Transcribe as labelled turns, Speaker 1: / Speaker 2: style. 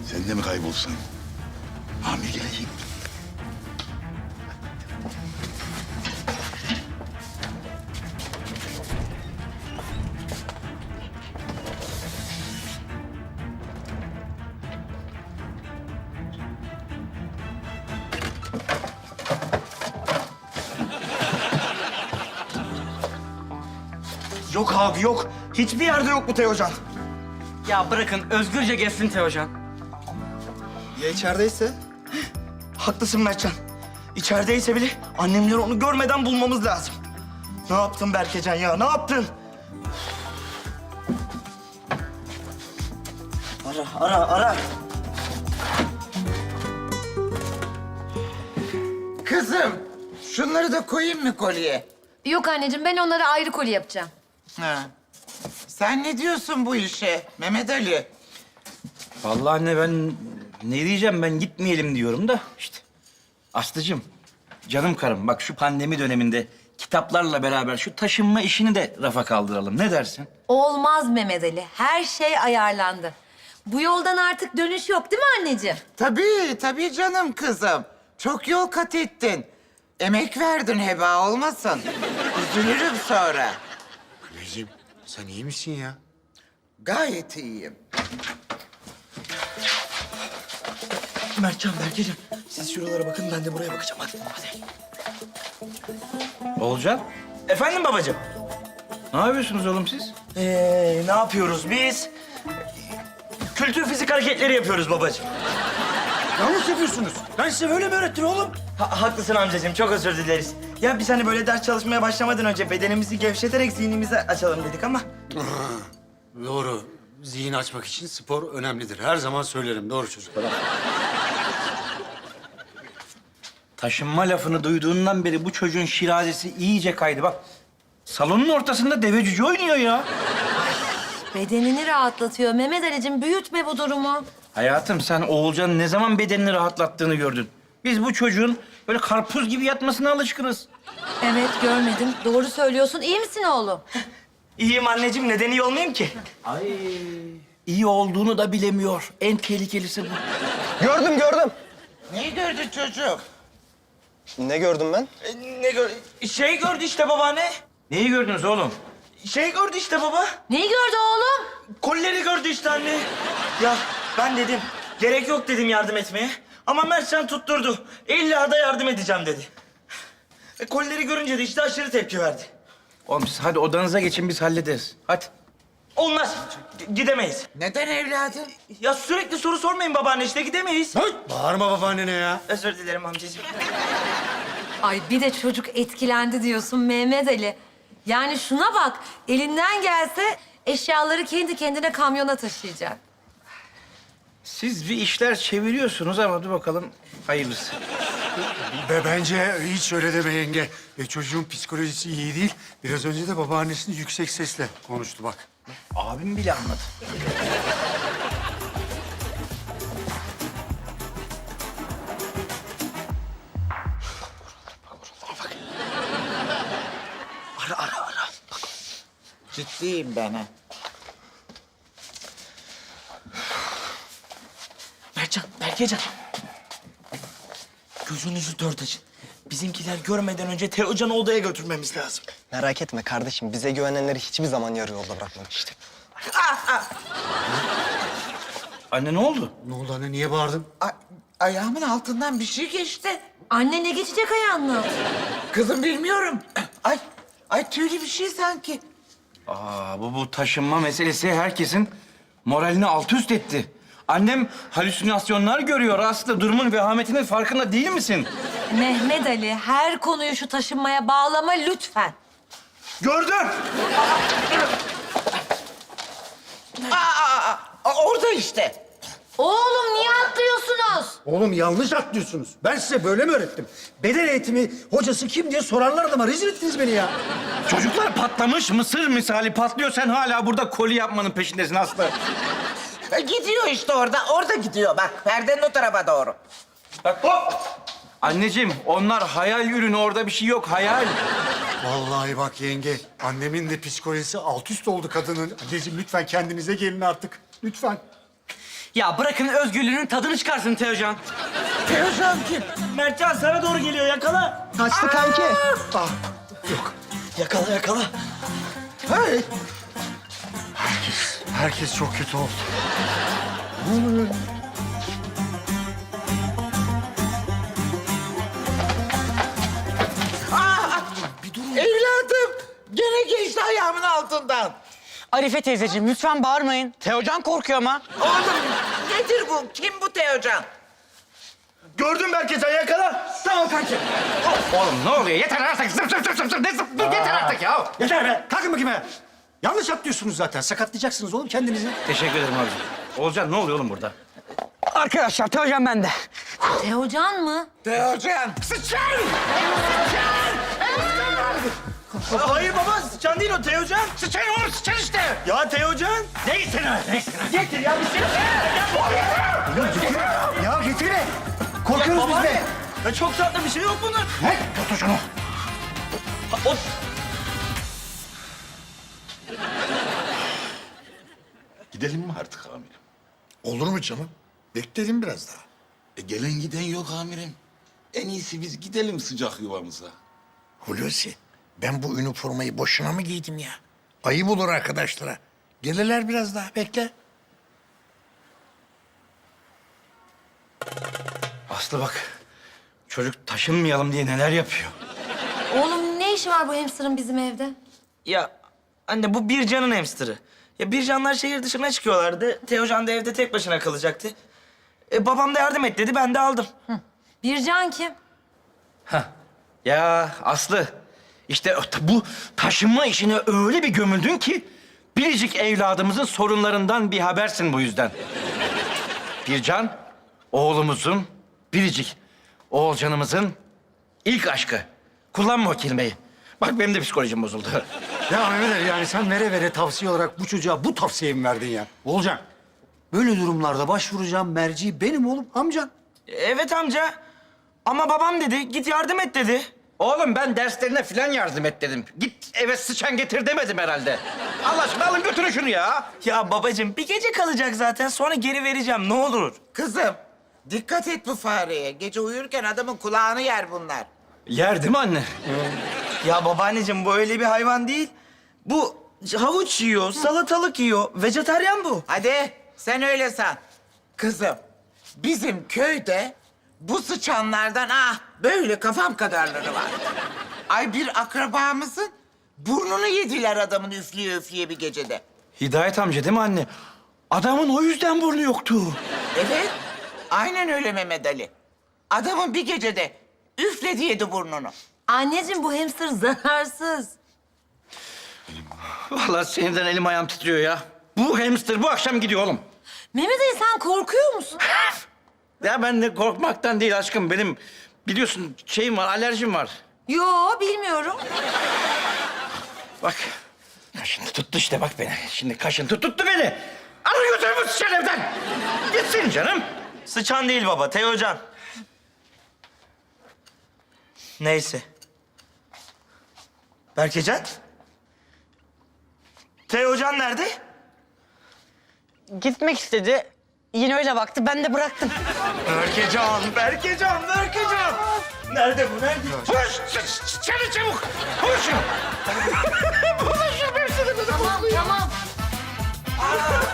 Speaker 1: Sen de mi kaybolsan? Hamile gelecek.
Speaker 2: Yok abi yok. Hiçbir yerde yok bu Teocan.
Speaker 3: Ya bırakın özgürce gezsin Teocan.
Speaker 2: Ya içerideyse? Haklısın Mertcan. İçerideyse bile annemleri onu görmeden bulmamız lazım. Ne yaptın Berkecan ya? Ne yaptın? Ara.
Speaker 4: Kızım, şunları da koyayım mı kolye?
Speaker 5: Yok anneciğim, ben onlara ayrı koli yapacağım.
Speaker 4: Ha. Sen ne diyorsun bu işe Mehmet Ali?
Speaker 6: Vallahi anne ben ne diyeceğim, ben gitmeyelim diyorum da işte. Aslıcığım, canım karım, bak şu pandemi döneminde kitaplarla beraber şu taşınma işini de rafa kaldıralım. Ne dersin?
Speaker 5: Olmaz Mehmet Ali, her şey ayarlandı. Bu yoldan artık dönüş yok değil mi anneciğim?
Speaker 4: Tabii canım kızım. Çok yol kat ettin. Emek verdin, heba olmasın. Üzülürüm sonra.
Speaker 7: Anneciğim sen iyi misin ya?
Speaker 4: Gayet iyiyim.
Speaker 2: Mertcan, Berkecan, siz şuralara bakın, ben de buraya bakacağım. Hadi.
Speaker 6: Oğulcan,
Speaker 2: Efendim babacığım?
Speaker 6: ne yapıyorsunuz oğlum siz?
Speaker 2: Ne yapıyoruz biz? Kültür fizik hareketleri yapıyoruz babacığım.
Speaker 7: Yanlış yapıyorsunuz. Ben size böyle mi öğrettim oğlum?
Speaker 2: Haklısın amcacığım, çok özür dileriz. Ya biz hani böyle ders çalışmaya başlamadan önce bedenimizi gevşeterek zihnimizi açalım dedik ama...
Speaker 7: Doğru. Zihin açmak için spor önemlidir. Her zaman söylerim. Doğru çocuklar.
Speaker 6: Taşınma lafını duyduğundan beri bu çocuğun şirazesi iyice kaydı. Bak, salonun ortasında deve cüce oynuyor ya.
Speaker 5: Bedenini rahatlatıyor Mehmet Ali'cim, büyütme bu durumu.
Speaker 6: Hayatım, sen Oğulcan'ın ne zaman bedenini rahatlattığını gördün. Biz bu çocuğun böyle karpuz gibi yatmasına alışkınız.
Speaker 5: Evet, görmedim. Doğru söylüyorsun. İyi misin oğlum?
Speaker 2: İyiyim anneciğim, neden iyi olmayayım ki?
Speaker 6: Ay, iyi olduğunu da bilemiyor. En tehlikelisi bu.
Speaker 8: Gördüm.
Speaker 4: Neyi gördün çocuğum?
Speaker 8: Ne gördüm ben?
Speaker 2: Şey gördü işte babaanne.
Speaker 6: Neyi gördünüz oğlum?
Speaker 2: Şey gördü işte baba.
Speaker 5: Neyi gördü oğlum?
Speaker 2: Kolleri gördü işte anne. Ya ben dedim, gerek yok dedim yardım etmeye. Ama Mertcan tutturdu. İlla da yardım edeceğim dedi. Kolleri görünce de işte aşırı tepki verdi.
Speaker 6: Oğlum siz hadi odanıza geçin, biz hallederiz. Hadi.
Speaker 2: Olmaz, gidemeyiz.
Speaker 4: Neden evladım?
Speaker 2: Ya sürekli soru sormayın babaanne, işte gidemeyiz.
Speaker 7: Hey, bağırma babaannene ya.
Speaker 2: Özür dilerim amcacığım.
Speaker 5: Ay bir de çocuk etkilendi diyorsun Mehmet Ali. Yani şuna bak, elinden gelse eşyaları kendi kendine kamyona taşıyacak.
Speaker 6: Siz bir işler çeviriyorsunuz ama dur bakalım hayırlısı.
Speaker 7: Bence hiç öyle deme yenge. Çocuğun psikolojisi iyi değil. Biraz önce de babaannesini yüksek sesle konuştu bak.
Speaker 6: Abim bile anladı.
Speaker 2: Ara.
Speaker 4: Ciddiyim ben ha.
Speaker 2: Mertcan, Berkecan. Gözünüzü dört açın. Bizimkiler görmeden önce Teocan'ı odaya götürmemiz lazım.
Speaker 8: Merak etme kardeşim. Bize güvenenleri hiçbir zaman yarı yolda bırakmadık işte.
Speaker 6: Anne ne oldu?
Speaker 7: Ne oldu anne? Niye bağırdın?
Speaker 4: Ayağımın altından bir şey geçti.
Speaker 5: Anne ne geçecek ayağına?
Speaker 4: Kızım bilmiyorum. Ay tüylü bir şey sanki.
Speaker 6: Bu taşınma meselesi herkesin moralini alt üst etti. Annem halüsinasyonlar görüyor Aslı. Durumun vehametinin farkında değil misin?
Speaker 5: Mehmet Ali, her konuyu şu taşınmaya bağlama lütfen.
Speaker 2: Gördüm.
Speaker 4: Orada işte.
Speaker 5: Oğlum niye atlıyorsunuz?
Speaker 7: Oğlum yanlış atlıyorsunuz. Ben size böyle mi öğrettim? Beden eğitimi hocası kim diye sorarlar adama. Rezil ettiniz beni ya.
Speaker 6: Çocuklar patlamış, mısır misali patlıyor. Sen hala burada koli yapmanın peşindesin Aslı.
Speaker 4: Gidiyor işte orada gidiyor bak. Perdenin o tarafa doğru.
Speaker 6: Bak hop! Anneciğim, onlar hayal ürünü. Orada bir şey yok, hayal.
Speaker 7: Vallahi bak yenge, annemin de psikolojisi alt üst oldu kadının. Anneciğim lütfen kendinize gelin artık. Lütfen.
Speaker 3: Ya bırakın özgürlüğünün tadını çıkarsın Teocan.
Speaker 4: Teocan kim?
Speaker 2: Mertcan sana doğru geliyor, yakala.
Speaker 8: Kaçtı kanki.
Speaker 2: Yakala, yakala.
Speaker 4: Hey.
Speaker 7: Herkes çok kötü oldu.
Speaker 4: Evladım. Gene geçti ayağımın altından.
Speaker 3: Arife teyzeciğim lütfen bağırmayın. Teocan korkuyor ama.
Speaker 4: Oğlum nedir bu? Kim bu Teocan?
Speaker 2: Gördün Berkecan, yakala.
Speaker 6: Tamam kanki. Oğlum ne oluyor? Yeter artık. Zıp zıp zıp zıp zıp. Ne zıp? Yeter artık ya.
Speaker 7: Yeter be. Kalkın bakayım be. Yanlış atlıyorsunuz zaten. Sakatlayacaksınız oğlum kendinizi.
Speaker 6: Teşekkür ederim abi. Olcan ne oluyor oğlum burada?
Speaker 3: Arkadaşlar Teocan bende.
Speaker 5: Teocan mı?
Speaker 4: Teocan.
Speaker 2: Hayır baba, sıçan değil o, Teocan.
Speaker 6: Sıçan oğlum sıçan işte.
Speaker 2: Ya Teocan.
Speaker 6: Neyse ne? Neyse ne?
Speaker 2: Getir ya, bir şey.
Speaker 7: Ya getirin. Korkuyoruz biz de.
Speaker 2: Ya çok tatlı bir şey yok bunun.
Speaker 6: Ne? Tut şunu.
Speaker 2: O...
Speaker 1: Gidelim mi artık amirim?
Speaker 9: Olur mu canım? Bekledim biraz daha.
Speaker 1: Gelen giden yok amirim. En iyisi biz gidelim sıcak yuvamıza.
Speaker 9: Hulusi, ben bu üniformayı boşuna mı giydim ya? Ayıp olur arkadaşlara. Gelirler biraz daha, bekle.
Speaker 6: Aslı bak. Çocuk taşınmayalım diye neler yapıyor.
Speaker 5: Oğlum ne işi var bu hamsterın bizim evde?
Speaker 2: Ya anne, bu Bircan'ın hamsterı. Ya Bircanlar şehir dışına çıkıyorlardı. Teocan da evde tek başına kalacaktı. Babam da yardım et dedi, ben de aldım.
Speaker 5: Bircan kim?
Speaker 6: Ya Aslı, işte bu taşınma işine öyle bir gömüldün ki... ...biricik evladımızın sorunlarından bir habersin bu yüzden. Bircan, oğlumuzun, biricik Oğulcanımızın ilk aşkı. Kullanma o kelimeyi. Bak benim de psikolojim bozuldu.
Speaker 7: Ya Mehmet Ali, yani sen vere tavsiye olarak bu çocuğa bu tavsiyeyi mi verdin ya? Olcan. Böyle durumlarda başvuracağım merci benim oğlum, amcan.
Speaker 2: Evet amca. Ama babam dedi, git yardım et dedi.
Speaker 6: Oğlum ben derslerine falan yardım et dedim. Git eve sıçan getir demedim herhalde. Allah aşkına alın götürün şunu ya.
Speaker 2: Ya babacığım, bir gece kalacak zaten, sonra geri vereceğim, ne olur.
Speaker 4: Kızım dikkat et bu fareye. Gece uyurken adamın kulağını yer bunlar.
Speaker 6: Yer değil mi anne?
Speaker 2: Ya babaanneciğim, bu öyle bir hayvan değil. Bu havuç yiyor, salatalık yiyor. Vejetaryen bu.
Speaker 4: Hadi sen öyle san. Kızım bizim köyde bu sıçanlardan böyle kafam kadarları var. Ay bir akrabamızın burnunu yediler adamın üfleye üfleye bir gecede.
Speaker 6: Hidayet amca değil mi anne? Adamın o yüzden burnu yoktu.
Speaker 4: Evet aynen öyle Mehmet Ali. Adamın bir gecede üfledi yedi burnunu.
Speaker 5: Anneciğim bu hamster zararsız.
Speaker 6: Vallahi sinirden elim ayağım titriyor ya. Bu hamster bu akşam gidiyor oğlum.
Speaker 5: Mehmet Ali sen korkuyor musun?
Speaker 6: Ya ben de korkmaktan değil aşkım. Benim biliyorsun şeyim var, alerjim var.
Speaker 5: Yo bilmiyorum.
Speaker 6: Bak. Kaşıntı tuttu işte bak beni. Şimdi kaşıntı tuttu beni. Alın götürün bu sıçan evden. Gitsin canım.
Speaker 2: Sıçan değil baba, Teocan. Neyse. Berkecan? Teocan nerede?
Speaker 3: Gitmek istedi. Yine öyle baktı. Ben de bıraktım.
Speaker 2: Berkecan. Nerede bu, nerede?
Speaker 6: Koş, çabuk çabuk. Koşun.
Speaker 5: Tamam tamam.